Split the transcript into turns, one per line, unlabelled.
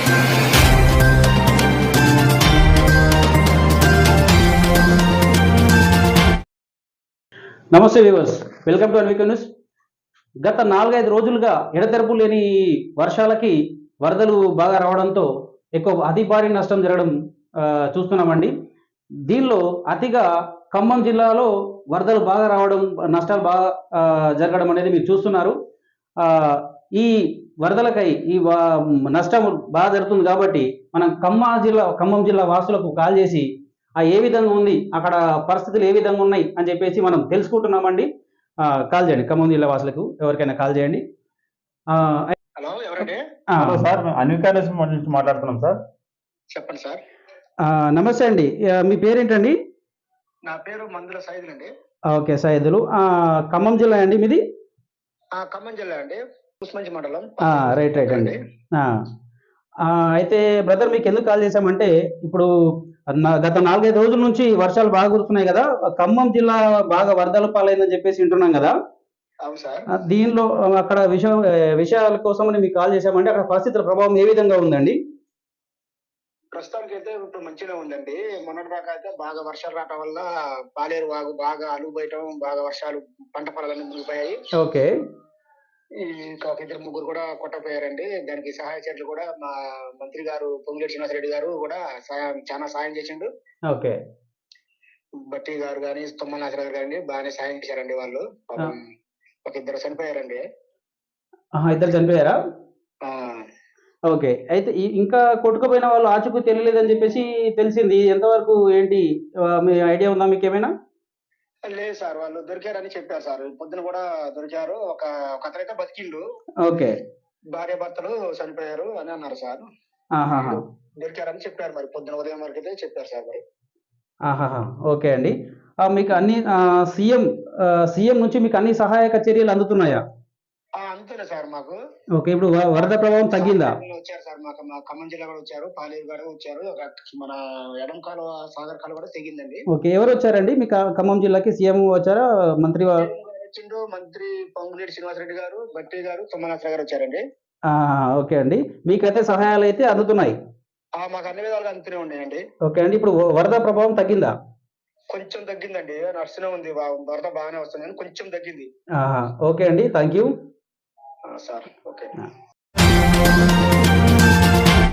నమస్తే viewers, welcome to Anvika news. గత 4-5 రోజులుగా ఎడతెరపు లేని వర్షాలకి వరదలు బాగా రావడంతో అతి భారీ నష్టం జరగడం చూస్తున్నామండి. దీనిలో అతిగా ఖమ్మం జిల్లాలో వరదలు బాగా రావడం, నష్టాలు బాగా జరగడం అనేది మీరు చూస్తున్నారు. ఈ వరదలకై నష్టం బాగా జరుగుతుంది కాబట్టి మనం ఖమ్మం జిల్లా వాసులకు కాల్ చేసి ఏ విధంగా ఉంది, అక్కడ పరిస్థితులు ఏ విధంగా ఉన్నాయి అని చెప్పేసి మనం తెలుసుకుంటున్నామండి. కాల్ చేయండి, ఖమ్మం జిల్లా వాసులకు ఎవరికైనా కాల్ చేయండి.
హలో, ఎవరండి?
హలో సార్, అన్విక న్యూస్ నుంచి మాట్లాడుతున్నాం సార్.
చెప్పండి సార్.
నమస్తే అండి, మీ పేరేంటండి?
నా పేరు మందుల సైదులు అండి.
ఓకే, సైదులు. ఖమ్మం జిల్లా అండి మీది?
ఖమ్మం జిల్లా అండి, ఉస్మంచి మండలం.
రైట్ అండి. అయితే బ్రదర్, మీకు ఎందుకు కాల్ చేశామంటే, ఇప్పుడు గత 4-5 రోజుల నుంచి వర్షాలు బాగా కురుస్తున్నాయి కదా, ఖమ్మం జిల్లా బాగా వరదల పాలైందని చెప్పేసి వింటున్నాం కదా.
అవును సార్.
దీనిలో అక్కడ విషయాల కోసమని మీకు కాల్ చేశామంటే, అక్కడ పరిస్థితుల ప్రభావం ఏ విధంగా ఉందండి?
ప్రస్తుతానికి అయితే ఇప్పుడు మంచిగా ఉందండి. మొన్నటి దాకా అయితే బాగా వర్షాలు రావటం వల్ల పాలేరు వాగు బాగా అలుగుబయటం, బాగా వర్షాలు పంట పొలాలన్నీ మునిగిపోయాయి.
ఓకే.
ఇంకా ఒక 2-3 కూడా కొట్టపోయారండి. దానికి సహాయ చర్యలు కూడా మా మంత్రి గారు పొంగులేటి శ్రీనివాసరెడ్డి గారు కూడా చాలా సాయం చేసిండు.
ఓకే.
బట్టి గారు కానీ, తుమ్మల నాగరాజు గారు బాగానే సాయం చేశారండి. వాళ్ళు ఒక 2 చనిపోయారండి.
2 చనిపోయారా? ఓకే. అయితే ఇంకా కొట్టుకుపోయిన వాళ్ళు ఆచూకీ తెలియలేదని చెప్పేసి తెలిసింది. ఎంతవరకు ఏంటి, మీ ఐడియా ఉందా మీకు ఏమైనా?
లేదు సార్, వాళ్ళు దొరికారని చెప్పారు సార్. పొద్దున కూడా దొరికారు. ఒక అతనైతే బతికిండు.
ఓకే.
భార్య భర్తలు చనిపోయారు అని అన్నారు సార్. దొరికారని చెప్పారు. మరి పొద్దున ఉదయం వరకు అయితే చెప్పారు సార్. మరి
ఓకే అండి. మీకు అన్ని సీఎం నుంచి మీకు అన్ని సహాయక చర్యలు అందుతున్నాయా?
అందుతుంది సార్ మాకు.
ఓకే. ఇప్పుడు వరద ప్రభావం తగ్గిందా?
వచ్చారు సార్, మాకు మా ఖమ్మం జిల్లా కూడా వచ్చారు, పాలేరు గారు వచ్చారు, మన ఎడం కాలువ సాగర్ కాలువ కూడా తెగిందండి.
ఓకే. ఎవరు వచ్చారండి మీ ఖమ్మం జిల్లాకి? సీఎం వచ్చారా? మంత్రి
వచ్చిండు. మంత్రి పొంగులేటి శ్రీనివాసరెడ్డి గారు, బట్టి గారు, తుమ్మనాథరావు గారు వచ్చారండి.
ఓకే అండి. మీకైతే సహాయాలు అయితే అందుతున్నాయి?
మాకు అన్ని విధాలుగా అందుతూనే ఉన్నాయండి.
ఓకే అండి. ఇప్పుడు వరద ప్రభావం తగ్గిందా?
కొంచెం తగ్గిందండి. నడుస్తూనే ఉంది, వరద బాగానే వస్తుంది కానీ కొంచెం తగ్గింది.
ఓకే అండి, థ్యాంక్ యూ
సార్. ఓకే.